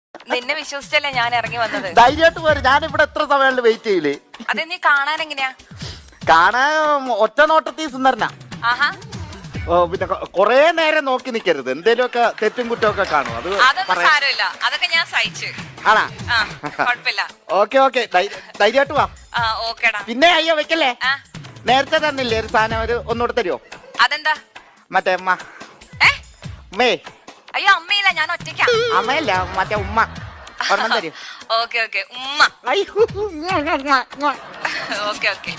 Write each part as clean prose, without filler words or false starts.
നിന്നെ വിശ്വസിച്ചല്ലേ ഞാൻ ഇറങ്ങി വന്നത്. ധൈര്യമായിട്ട് പോര്, ഞാൻ ഇവിടെ എത്ര സമയം വെയിറ്റ് ചെയ്യില്ലേ. അതെ, നീ കാണാൻ എങ്ങനെയാ? കാണാൻ ഒറ്റ നോട്ടത്തിൽ സുന്ദരനാ. ആഹാ, പിന്നെ കൊറേ നേരം നോക്കി നിക്കരുത്, എന്തേലുമൊക്കെ തെറ്റും കുറ്റമൊക്കെ കാണും. അതൊന്നും സാരമില്ല, അതൊക്കെ ഞാൻ സഹിച്ചു. ആണാ? കുഴപ്പമില്ല. ഓക്കെ ധൈര്യമായിട്ട് വാ. ഓക്കേടാ. പിന്നെ അയ്യോ വെക്കല്ലേ, നേരത്തെ തന്നില്ലേ ഒരു സാധനം, ഒന്നുകൂടെ തരുമോ? അതെന്താ? മറ്റേ ഉമ്മ. അയ്യോ അമ്മയില്ല, ഞാൻ ഒറ്റയ്ക്കാ. അമ്മയല്ല, മറ്റേ ഉമ്മ ഒരെണ്ണം തരും. ഓക്കെ ഉമ്മ. ഓക്കെ.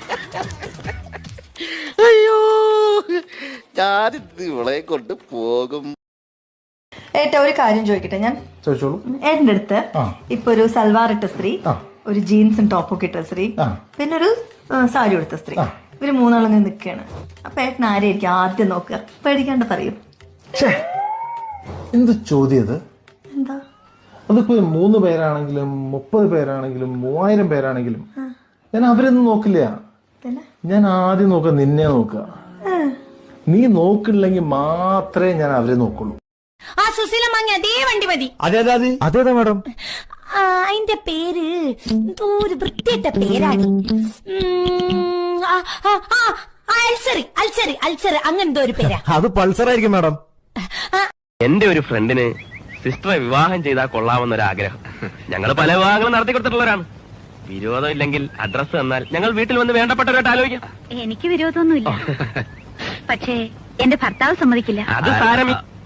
അയ്യോ ഞാനിത് ഇവളെ കൊണ്ട് പോകും. ഏട്ടാ ഒരു കാര്യം ചോദിക്കട്ടെ ഞാൻ? ചോദിച്ചോളൂ. ഏട്ടൻ്റെ അടുത്ത് ഇപ്പൊ ഒരു സൽവാർ ഇട്ട സ്ത്രീ, ഒരു ജീൻസും ടോപ്പും ഒക്കെ ഇട്ട സ്ത്രീ, പിന്നെ ഒരു സാരി എടുത്ത സ്ത്രീ, ഇവര് മൂന്നാളങ്ങ് നിൽക്കുകയാണ്. അപ്പൊ ഏട്ടൻ ആരെയായിരിക്കും ആദ്യം നോക്കുക? പേടിക്കാണ്ട് പറയും. എന്ത് ചോദ്യത്? എന്താ? അതിപ്പോ 3 പേരാണെങ്കിലും 30 പേരാണെങ്കിലും 3000 പേരാണെങ്കിലും ഞാൻ അവരൊന്നും നോക്കില്ല. ഞാൻ ആദ്യം നോക്കുക നിന്നെ നോക്കുക. നീ നോക്കില്ലെങ്കിൽ മാത്രമേ ഞാൻ അവരെ നോക്കുള്ളൂ. ആ സുശീല മാങ്ങ അതേ വണ്ടി മതി. അതേതാ മാഡം? അതിന്റെ പേര് എന്തോ ഒരു വൃത്തിയിട്ട പേരാണ്. അൽസറി അങ്ങനെന്തോ ഒരു പേരാ. അത് പൾസർ ആയിരിക്കും മാഡം. എന്റെ ഒരു ഫ്രണ്ടിന് സിസ്റ്ററെ വിവാഹം ചെയ്താൽ കൊള്ളാമെന്നൊരാഗ്രഹം. ഞങ്ങൾ പല വിവാഹങ്ങളും നടത്തി കൊടുത്തിട്ടുള്ളവരാണ്. വിരോധം ഇല്ലെങ്കിൽ അഡ്രസ് തന്നാൽ ഞങ്ങൾ വീട്ടിൽ വന്ന് വേണ്ടപ്പെട്ടവരായിട്ട് ആലോചിക്കാം. എനിക്ക് വിരോധമൊന്നുമില്ല, പക്ഷേ എന്റെ ഭർത്താവ് സമ്മതിക്കില്ല. അത് സാരമില്ല.